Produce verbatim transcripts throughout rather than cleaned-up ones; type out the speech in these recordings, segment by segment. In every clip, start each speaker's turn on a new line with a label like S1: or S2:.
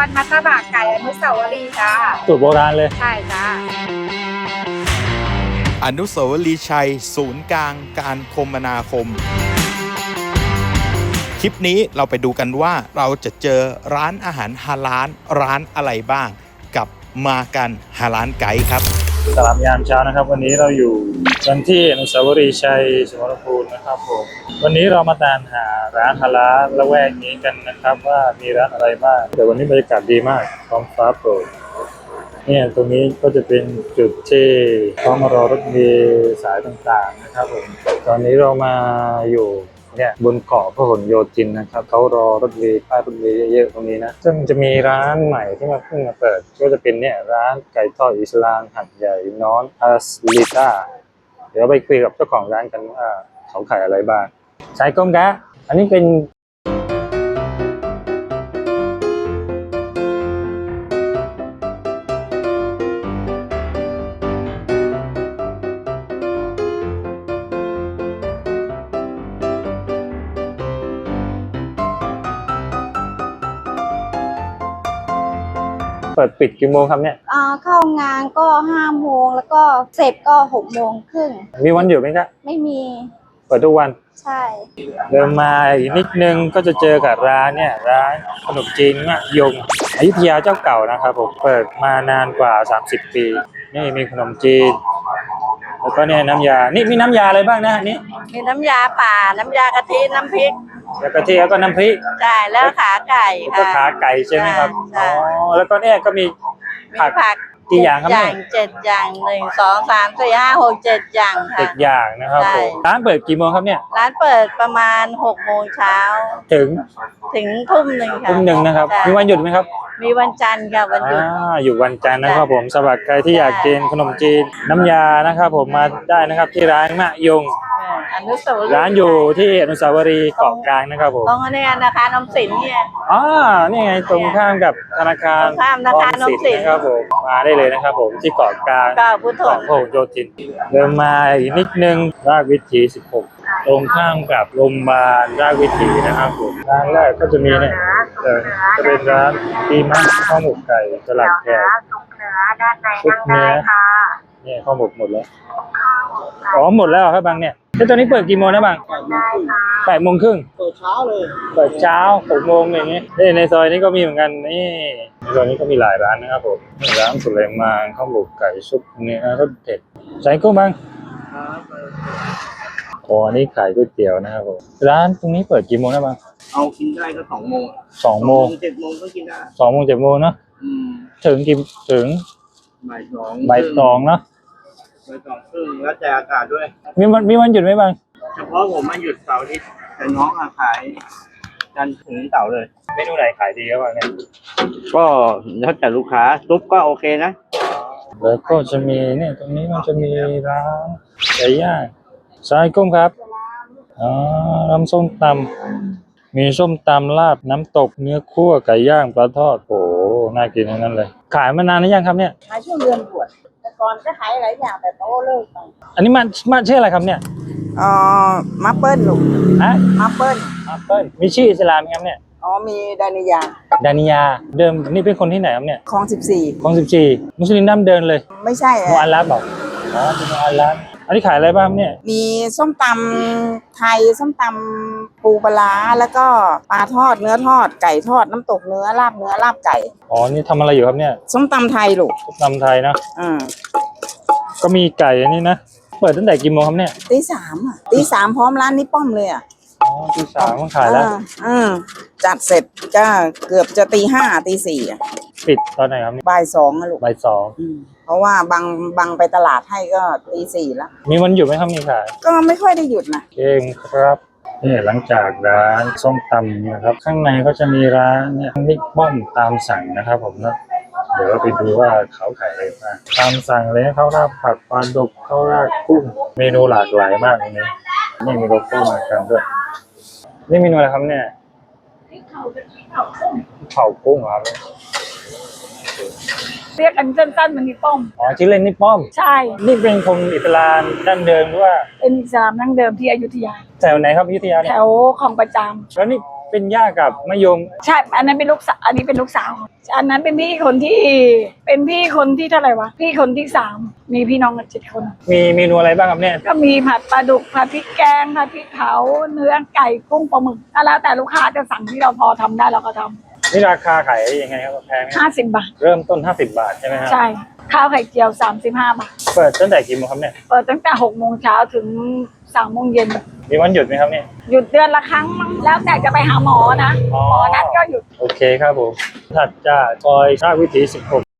S1: รมัตตบะไก่อนุสาวรีย์จ้า
S2: สูตรโบราณเลย
S1: ใช่จ้า
S3: อนุสาวรีย์ชัยศูนย์กลางการคมนาคมคลิปนี้เราไปดูกันว่าเราจะเจอร้านอาหารฮาลาลร้านอะไรบ้างกับมากันฮาลาลไกด์ครับ
S2: สลับยามเช้านะครับวันนี้เราอยู่กันที่อนุสาวรีย์ชัยสมรภูมินะครับผมวันนี้เรามาตามหาร้านฮาลาลละแวกนี้กันนะครับว่ามีร้านอะไรบ้างแต่วันนี้บรรยากาศดีมากท้องฟ้าโปร่งเนี่ยตรงนี้ก็จะเป็นจุดที่เขามารอรถเมล์สายต่างๆนะครับผมตอนนี้เรามาอยู่เนี่ยบนเกาะพหลโยธินนะครับเขารอรถเมล์ป้ายรถเมล์เยอะๆตรงนี้นะซึ่งจะมีร้านใหม่ที่มาเพิ่งมาเปิดก็จะเป็นเนี่ยร้านไก่ทอดอิสลามหัดใหญ่น้อนอาสลิต้าเดี๋ยวไปคุยกับเจ้าของร้านกันว่าเขาขายอะไรบ้างสายก้มกะอันนี้เป็นเปิดปิดกี่โมงครับเนี่ย
S4: อ่าเข้างานก็ห้าโมงแล้วก็เสร็จก็หกโมงครึ่ง
S2: มีวันหยุดไหมครับ
S4: ไม่มี
S2: เปิดทุกวัน
S4: ใช่
S2: เดินมาอีกนิดนึงก็จะเจอกับร้านเนี่ยร้านขนมจีนมะยงอยุธยาเจ้าเก่านะครับผมเปิดมานานกว่าสามสิบปีนี่มีขนมจีนแล้วก็เนี่ยน้ำยานี่มีน้ำยาอะไรบ้างนะนี่
S4: มีน้ำยาป่าน้ำยากะทิน้ำพริก
S2: แล้วกะทิแล้วก็น้ำพริก
S4: ใช่แล้วขาไก่ค่ะ
S2: ก็ขาไก่ใช่ไหมครับอ๋อแล้วก็เนี่ยก็มีผักกี่อย่างครับเนี่ย
S4: เจ็ดอย่างหนึ่งสองสามสี่ห้าหกเจ็ดอย่างค่ะ
S2: เจ็ดอย่างนะครับผมร้านเปิดกี่โมงครับเนี่ย
S4: ร้านเปิดประมาณหกโมงเช้า
S2: ถึง
S4: ถึงทุ่มหนึ่งค่ะ
S2: ทุ่มหนึ่งนะครับมีวันหยุดไหมครับ
S4: มีวันจันทร์ค่ะวันหยุด
S2: อ่าอยู่วันจันทร์นะครับผมสำหรับใครที่อยากกินขนมจีนน้ำยานะครับผมมาได้นะครับที่ร้านมะยง
S4: อนุสาวรีย์
S2: ร้านอยู่ที่อนุสาวรีย์เกาะกลางนะครับผม
S4: ตรงนี้นะคะน้ำสินเนี่ย
S2: อ๋อนี่ไงตรงข้ามกับธนาคาร
S4: ข้ามธนาคารน้ำสิน
S2: นะครับผมมาได้เลยนะครับผมที่เกาะกลาง
S4: เกาะพุทธ
S2: พหลโยธินเดินมาอีกนิดนึงราชวิถีสิบหกตรงข้ามกับโรงพยาบาลราชวิถีนะครับผมร้านแรกก็จะมีเนี่ยจะเป็นร้านตีมัสข้าวหมกไก่สลัดแขกซุปเนื้อเนี่ยข้าวหมกหมดแล้วอ๋อหมดแล้วครับบางเนี่ยแล้วตอนนี้เปิดกี่โมงนะบางแปดโมงครึ่ง
S5: เปิดเช้าเลย
S2: เปิดเช้าหกโมงอย่างเงี้ยนี่ในซอยนี้ก็มีเหมือนกันนี่ในซอยนี้ก็มีหลายร้านนะครับผมร้านสุเลมานข้าวหมกไก่ซุปเนื้อรสเด็ดใส่กุ้งบางอ๋อนี่ขายก๋วยเตี๋ยวนะครับผมร้านตรงนี้เปิดกี่โมงนะบาง
S5: เอากินได้ก็สองโมง
S2: สองโมง
S5: เจ็ดโมงก็กินได้
S2: สองโมงเจ็ดโมงเนาะถึงกี่ถึง
S5: บ่ายสอง
S2: บ่ายสองเนาะ
S5: บ่ายสองครึ่งแล้วแต่อากาศด้วย
S2: มีวันมีวันหยุดไหมบาง
S5: เฉพาะผมมาหยุดเสาร์อาทิตย์แต่น้องขายจันทร์ถึงเสาร์เลย
S2: เมนูไหนขายดีครับบางเนี่ย
S5: ก็แล้วแต่ลูกค้าซุปก็โอเคนะ
S2: แล้วก็จะมีเนี่ยตรงนี้มันจะมีร้านไก่ย่างสายกุ้งครับอ๋อน้ำส้มตำมีส้มตำลาบน้ำตกเนื้อคั่วไก่ย่างปลาทอดโอ้น่ากินทั้งนั้นเลยขายมานานหรือยังครับเนี่ย
S4: ขายช่วงเดือนบวชแต่ก่อนก็ขายหลายอย่างแต่โตเลิกไป
S2: อันนี้มันมันชื่ออะไรครับเนี่ย
S4: อ๋อมาเปิ้ลลูก
S2: ฮะ
S4: มาเปิ้ล
S2: มาเปิ้ลมีชื่ออิสลามไหมครับเนี่ย
S4: อ๋อมีดานิยา
S2: ดานิยาเดิมนี่เป็นคนที่ไหนครับเนี่ย
S4: คลองสิบสี่
S2: คลองสิบสี่มุสลิมดั้งเดินเลย
S4: ไม่ใช่
S2: มูอัลลัฟบอกอ๋อเป็นมูอัลลัฟอันนี้ขายอะไรบ้างเนี่ย
S4: มีส้มตำไทยส้มตำปูปลาแล้วก็ปลาทอดเนื้อทอดไก่ทอดน้ำตกเนื้อลาบเนื้อลาบไก่
S2: อ๋อนี่ทำอะไรอยู่ครับเนี่ย
S4: ส้มตำไทยลูก
S2: ส้มตำไทยนะ
S4: อืม
S2: ก็มีไก่อันนี้นะเปิดตั้งแต่กี่โมงครับเนี่ย
S4: ตีสามอ่ะตีสามพร้อมร้านนี้ป้อมเลยอ่ะ
S2: อ๋อตีสามต้องขายแล้ว
S4: อืมจัดเสร็จก็เกือบจะตีห้าตีสี่อ่ะ
S2: ปิดตอนไหนครับ
S4: บ่ายสองนะลูก
S2: บ่ายสอง
S4: เพราะว่าบางบางไปตลาดให้ก็ตีสี่แล้ว
S2: มีวันหยุดไหมครับมีขาย
S4: ก็ไม่ค่อยได้หยุดนะ
S2: เก่งครับนี่หลังจากร้านส้มตำนะครับข้างในก็จะมีร้านเนี่ยนิกบ้อมตามสั่งนะครับผมนะเดี๋ยวไปดูว่าเขาขายอะไรบ้างตามสั่งเลยข้าวราดผักปลาดุกข้าวราดกุ้งเมนูหลากหลายมากเลยนี่นี่มีโลโก้มากันด้วยนี่เมนูอะไรครับเนี่ยเผากุ้งครับ
S1: เรียกอันสั้นๆมันนี่ป้อม
S2: อ๋อชื่อเล่นนี่ป้อม
S1: ใช่
S2: นี่เป็นคนอิสลามดั้งเดิมหรือว่า
S1: เป็นอิสลามดั้งเดิมที่อยุธยา
S2: แถวไหนครับอยุธยาเนี่ย
S1: แถวคลองประจ
S2: ำแล้วนี่เป็นย่ากับมะยม
S1: ใช่อันนั้นเป็นลูกสาวอันนี้เป็นลูกสาวอันนั้นเป็นพี่คนที่เป็นพี่คนที่เท่าไหร่วะพี่คนที่สามมีพี่น้องกันเจ็ดคน
S2: มีเมนูอะไรบ้างครับเนี่ย
S1: ก็มีผัดปลาดุกผัดพริกแกงผัดพริกเผาเนื้อไก่กุ้งปลาหมึกก็แล้วแต่ลูกค้าจะสั่งที่เราพอทำได้เราก็ทำ
S2: นี่ราคาขายยังไงครับแพงไหม
S1: ห้าสิบบาท
S2: เริ่มต้นห้าสิบบาทใช่ไหมครับ
S1: ใช่ข้าวไข่เจียวสามสิบห้าบาท
S2: เปิดตั้งแต่กี่โมงครับเนี่ย
S1: เปิดตั้งแต่หกโมงเช้าถึงสามโมงเย็น
S2: มีวันหยุดไหมครับเนี่ย
S1: หยุดเดือนละครั้งมั้งแล้วแต่จะไปหาหมอนะ
S2: อ๋อ
S1: หมอนัดก็หยุด
S2: โอเคครับผมถัดจากซอยราชวิถีสิบหก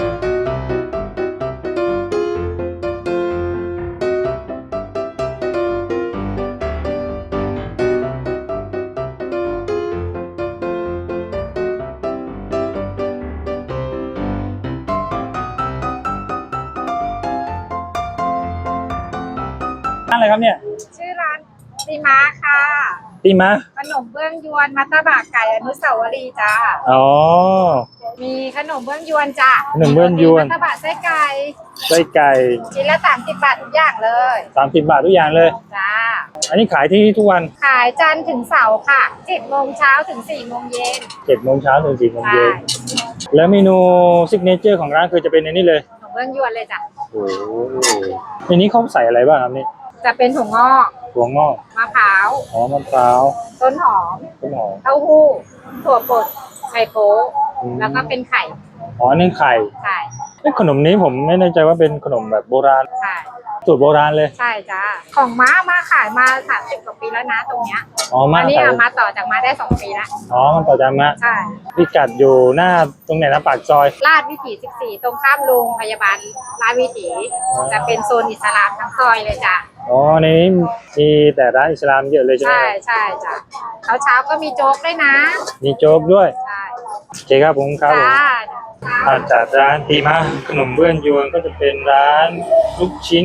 S2: ร้านอะไรครับเนี่ย
S1: ชื่อร้านตีม้าค่ะ
S2: ตีมะ
S1: ขนมเบื้องยวนมัตตบะไก่อนุสาวรีย์จ้า
S2: อ๋อ
S1: มีขนมเบื้องยวนจ้า
S2: ขนมเบื้องยวน
S1: มัตตบะไส้ไก่
S2: ไส้ไก่
S1: ชิ้นละสามสิบบาททุกอย่างเลย
S2: สามสิบบาททุกอย่างเลย
S1: จ้า
S2: อันนี้ขายที่นี่ทุกวัน
S1: ขายจันทร์ถึงเสาร์ค่ะเจ็ดโมงเช้าถึงสี่โมงเย็น
S2: เจ็ดโมงเช้าถึงสี่โมง
S1: ใช่
S2: เย็นแล้วเมนูซิกเนเจอร์ของร้านคือจะเป็นในนี้เลย
S1: ขนมเบื้องยวนเลยจ้ะ
S2: โอ้โหในนี้เขาใส่อะไรบ้างครับนี่
S1: จะเป็นถั่วงอก
S2: ถั่วงอก
S1: มะพร้าว
S2: หอมมะพร้าว
S1: ต้นหอม
S2: ต้นหอม
S1: เต้าหู้ถั่วป่นไข่โป๊ะ
S2: อืม
S1: แล้วก็เป็นไข่
S2: อ๋อนึ่งไข่
S1: ใช่
S2: เอ้ยขนมนี้ผมไม่แน่ใจว่าเป็นขนมแบบโบราณ
S1: ใช่
S2: สูตรโบราณเลย
S1: ใช่จ้าของม้ามาขายมาสามสิบกว่าปีแล้วนะตรงเนี้ย
S2: อ๋อมา
S1: อันนี้
S2: ใส่
S1: เอามาต่อจากมาได้สองปีแล้ว
S2: อ๋อมันต่อจากมะ
S1: ใช่
S2: พิกัดอยู่หน้าตรงไหนนะปากซอย
S1: ลาดวิถีสิบสี่ตรงข้ามโรงพยาบาลลาดวิถีจะเป็นโซนอิสลามทั้งซอยเลยจ้ะ
S2: อ๋อในนี้มีแต่ร้านอิสลามเยอะเลยใช่ไหม
S1: ใช่ใช่จ้ะเช้าเช้าๆก็มีโจ๊กด้วยนะ
S2: มีโจ๊กด้วย
S1: ใช่
S2: โอเคครับผมครับผม
S1: จ้า
S2: ถัดจากร้านตีมาขนมเบื้องยวนก็จะเป็นร้านลูกชิ้น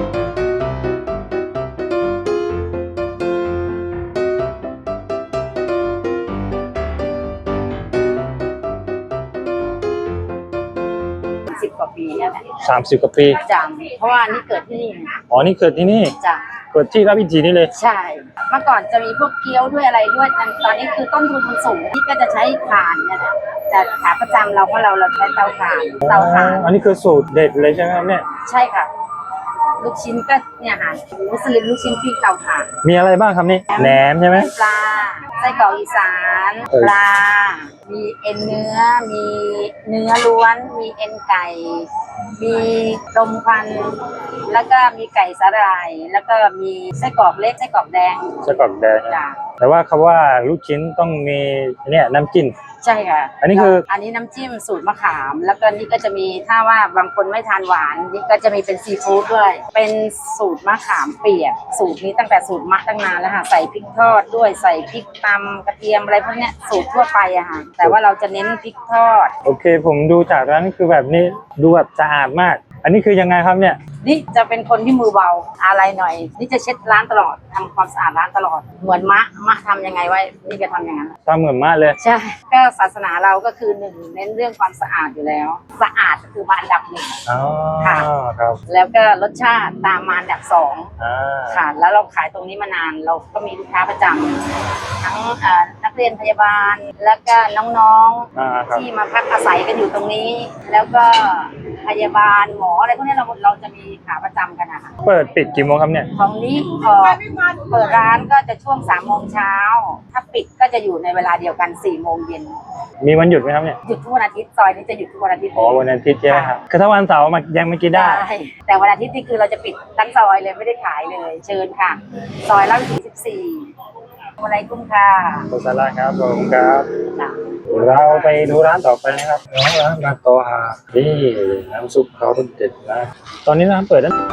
S6: สิบกว่าปีเนี่ยแหละ
S2: สามสิบกว่าปี
S6: จำเพราะว่านี่เกิดที่นี่
S2: อ๋อนี่เกิดที่นี่
S6: จ้ะ
S2: เกิดที่ราชวิถีนี่เลย
S6: ใช่ เมื่อก่อนจะมีพวกเกี๊ยวด้วยอะไรด้วยแต่ตอนนี้คือต้นทุนมันสูงที่ก็จะใช้ถ่านเนี่ยแหละแต่ขาประจำเราเพราะเราเราใช้เตาถ่านเตาถ่าน
S2: อันนี้คือสูตรเด็ดเลยใช่ไหมครับเนี่ย
S6: ใช่ค่ะ ลูกชิ้นก็เนี่ยค่ะมุสลิมลูกชิ้นพริกเตาถ่าน
S2: มีอะไรบ้างครับนี่แหนมใช่ไหม
S6: ปลาไส้กรอกอีสาน
S2: เออ
S6: ปลา มีเอ็นเนื้อ มีเนื้อล้วน มีเอ็นไก่ มีลมควันแล้วก็มีไก่สาหร่าย แล้วก็มีไส้กรอกเล็กไส้กรอกแดง
S2: ไส้กรอกแดง
S6: จ้ะ
S2: แต่ว่าคำว่าลูกชิ้นต้องมีเนี่ยน้ำจิ้ม
S6: ใช่ค่ะ
S2: อันนี้คือ
S6: อันนี้น้ำจิ้มสูตรมะขาม แล้วก็นี่ก็จะมีถ้าว่าบางคนไม่ทานหวานนี่ก็จะมีเป็นซีฟู้ดด้วย เป็นสูตรมะขามเปียก สูตรนี้ตั้งแต่สูตรมะตั้งนานแล้วค่ะ ใส่พริกทอดด้วย ใส่พริกตำกระเทียมอะไรพวกเนี้ยสูตรทั่วไปอะค่ะ แต่ว่าเราจะเน้นพริกทอด
S2: โอเค ผมดูจากร้านคือแบบนี้ดูแบบสะอาดมาก อันนี้คือยังไงครับเนี่ย
S6: นี่จะเป็นคนที่มือเบาอะไรหน่อย นี่จะเช็ดร้านตลอดทำความสะอาดร้านตลอด เหมือนมะมะทำยังไงไว้ นี่ก็ทำอย่างนั้น
S2: ตามเหมือนมากเลย
S6: ใช่ ก็ศาสนาเราก็คือหนึ่งเน้นเรื่องความสะอาดอยู่แล้ว สะอาดก็คือมาอันดับหนึ่ง
S2: อ๋อ
S6: ค่ะ
S2: ครับ
S6: แล้วก็รสชาติตามมาอันดับสอง
S2: อ่า
S6: ค่ะ แล้วเราขายตรงนี้มานาน เราก็มีลูกค้าประจำทั้งเอ่อนักเรียนพยาบาล แล้วก็น้อง
S2: อ่าครับ
S6: ๆที่มาพักอาศัยกันอยู่ตรงนี้ แล้วก็พยาบาลหมออะไรพวกนี้เราเราจะมีขาประจำกันนะคะ
S2: เปิดปิดกี่โมงครับเนี่ย
S6: ของนี้ออกเปิดร้านก็จะช่วงสามโมงเช้า ถ้าปิดก็จะอยู่ในเวลาเดียวกันสี่โมงเย็น
S2: มีวันหยุดไหมครับเนี่ย
S6: หยุดทุกวันอาทิตย์ซอยนี้จะหยุดทุกวันอาทิตย์
S2: อ๋อวันอาทิตย์ใช่ไหมครับคือถ้าวันเสาร์มายังไม่กินได้
S6: แต่วันอาทิตย์นี่คือเราจะปิดทั้งซอยเลยไม่ได้ขายเลย เชิญค่ะ ซอยลาดวิถีสิบสี่อะไรกุ้งค่ะ
S2: โคซาร่าครับผมครับ
S6: จ้ะ
S2: เราไปดูร้านต่อไปนะครับน้องร้านมาโตฮานี่น้ำซุปเขาเด็ดนะตอนนี้ร้านเปิดนั้น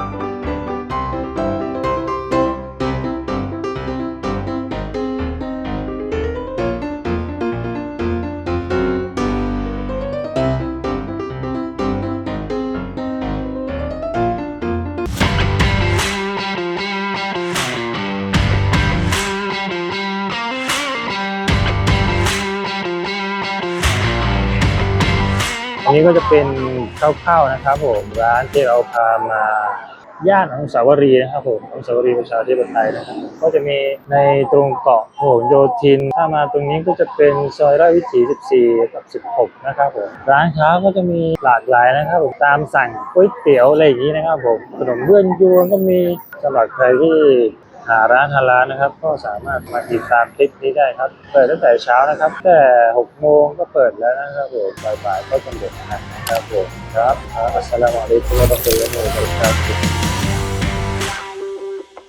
S2: อันนี้ก็จะเป็นข้าวๆนะครับผมร้านที่เราพามาย่านอนุสาวรีย์นะครับผมอนุสาวรีย์ประชาธิปไตยนะครับก็จะมีในตรงเกาะพหลโยธินถ้ามาตรงนี้ก็จะเป็นซอยราชวิถีสิบสี่กับสิบหกนะครับผมร้านค้าก็จะมีหลากหลายนะครับผมตามสั่งก๋วยเตี๋ยวอะไรอย่างนี้นะครับผมขนมเบื้องยวนก็มีสำหรับใครที่หาร้านฮาลาลนะครับก็สามารถมาติดตามคลิปนี้ได้ครับเปิดตั้งแต่เช้านะครับแต่หกโมงก็เปิดแล้วนะครับผมบ่ายๆก็จะหมดนะครับผมครับอัสสลามุอะลัยกุมวะเราะห์มะตุลลอฮิวะบะเราะกาตุฮ์